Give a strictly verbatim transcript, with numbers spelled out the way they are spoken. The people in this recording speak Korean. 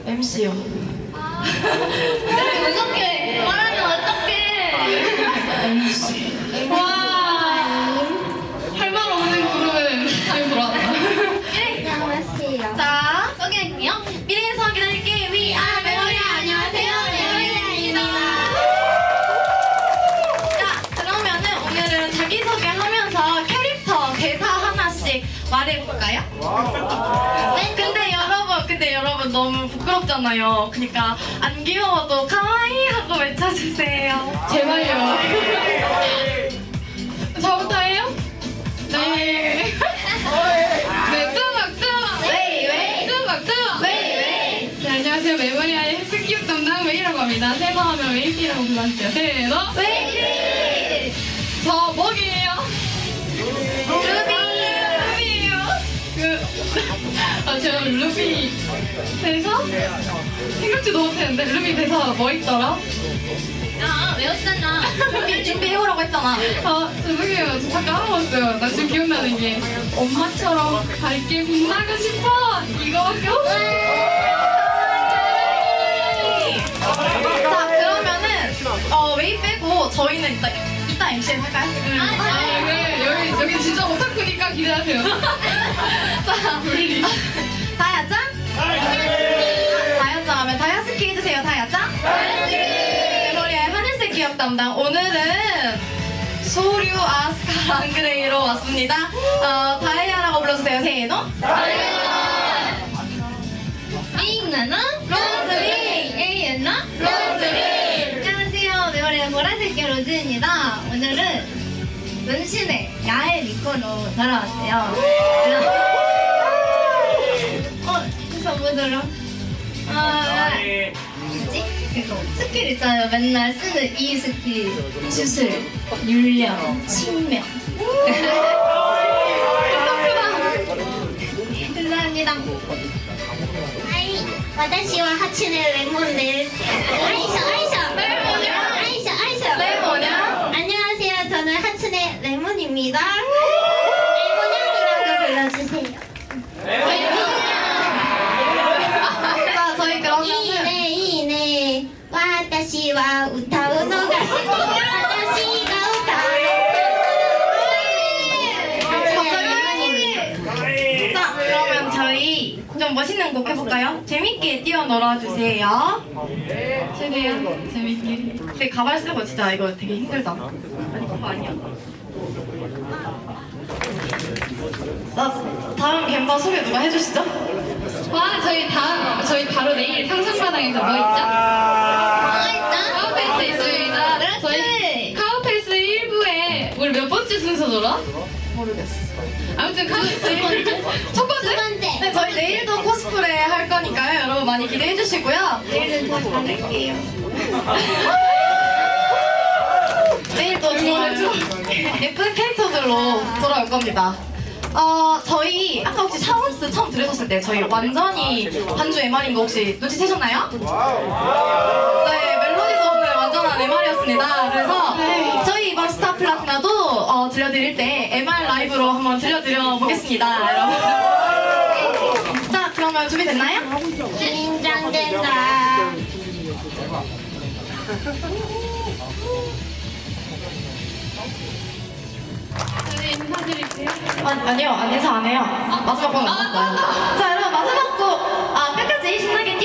엠씨요. 아, 어떡해. 말하면 어떡해. 엠씨. 와. 할 말 없는 그룹은 잘 돌아왔다. 안녕하세요. 자, 소개할게요. 미래에서 기다릴게. We are 메모리. 안녕하세요. 메모리입니다. 자, 그러면은 오늘은 자기소개하면서 캐릭터 대사 하나씩 말해볼까요? 네, 근데 여러분, 근데 여러분 너무 부끄럽잖아요. 그러니까 안 귀여워도 카와이 하고 외쳐주세요. 제발요. 저부터 해요? 네. 네, 뚜벅 뚜벅. 웨이 웨이. 뚜벅 뚜벅. 웨이 웨이. 네, 안녕하세요. 메모리아의 헬스기업 담당 웨이라고 합니다. 세번 하면 웨이피라고 불러주세요. 세, 너. 웨이. 저 뭐게요? 루비. 루비예요. 그, 아, 제가 루비 대사? 생각지도 못했는데 루비 대사 뭐 있더라? 아, 외웠잖아. 준비 준비해오라고 했잖아. 아, 죄송해요. 저 잠깐 까먹었어요. 나 지금 기억나는 게 엄마처럼 밝게 빛나고 싶어! 이거밖에 없어요. 자 그러면은 어 웨이 빼고 저희는 이따 이따 엠씨 할까요? 응. 아, 네. 여기, 여기 진짜 오타쿠니까 기대하세요. 자 분리. 다야짱. 다야짱 하면 다야스키 해주세요. 다야짱. 메모리아의 하늘색 기억 담당. 오늘은 소류 아스카 랑그레이로 왔습니다. 어 다이아라고 불러주세요. 세노. 잉나나? 로즈리. 에이엔나? 로즈리. 안녕하세요. 메모리의 보라색 로즈입니다. 오늘은 문신의 야외 미코로 돌아왔어요. 어, 그래서 뭐더라? 아, 뭐지? 그거 스킬 있잖아요. 맨날 쓰는 이 스킬. 주술, 율령, 친명. 감사합니다. 아이, 私は八年レモンです. 아이셔, 아이셔. 레몬이야? 아이셔, 아이셔. 레몬이야? 안녕하세요. 저는 하츠네 레몬입니다. 레몬양이라고 불러주세요. 자 저희 그러면은 이네 이네. 私は歌うのが好き。私が歌う。 자 그러면 저희 좀 멋있는 곡 해볼까요? 재밌게 뛰어 놀아주세요. 최대한 재밌게. 근데 가발 쓰고 진짜 이거 되게 힘들다. 아니 그거 아니야. 자 다음 갬바 소개 누가 해주시죠? 와, 저희 다음, 저희 바로 내일 상상마당에서 뭐 있죠? 카우페이스 있습니다. 저희 카우페이스 일 부에 우리 몇 번째 순서더라? 모르겠어. 아무튼 카우페이스 첫 번째? 두 번째. 네 저희 내일도 코스프레 할 거니까요. 여러분 많이 기대해 주시고요. 내일은 더 잘할게요. 내일도 정말 예쁜 캐릭터들로 돌아올 겁니다. 어, 저희 아까 혹시 샤워스 처음 들으셨을 때 저희 완전히 반주 엠알인 거 혹시 눈치채셨나요? 네, 멜로디도 없는 완전한 엠알이었습니다. 그래서 저희 이번 스타 플라티나도 어, 들려드릴 때 엠알 라이브로 한번 들려드려 보겠습니다, 여러분. 자, 그러면 준비됐나요? 긴장된다. 저희 인사드릴게요. 아, 아니요, 안 인사 안 해요. 마지막 곡 남았어요. 자, 여러분 마지막 곡 아, 끝까지 신나게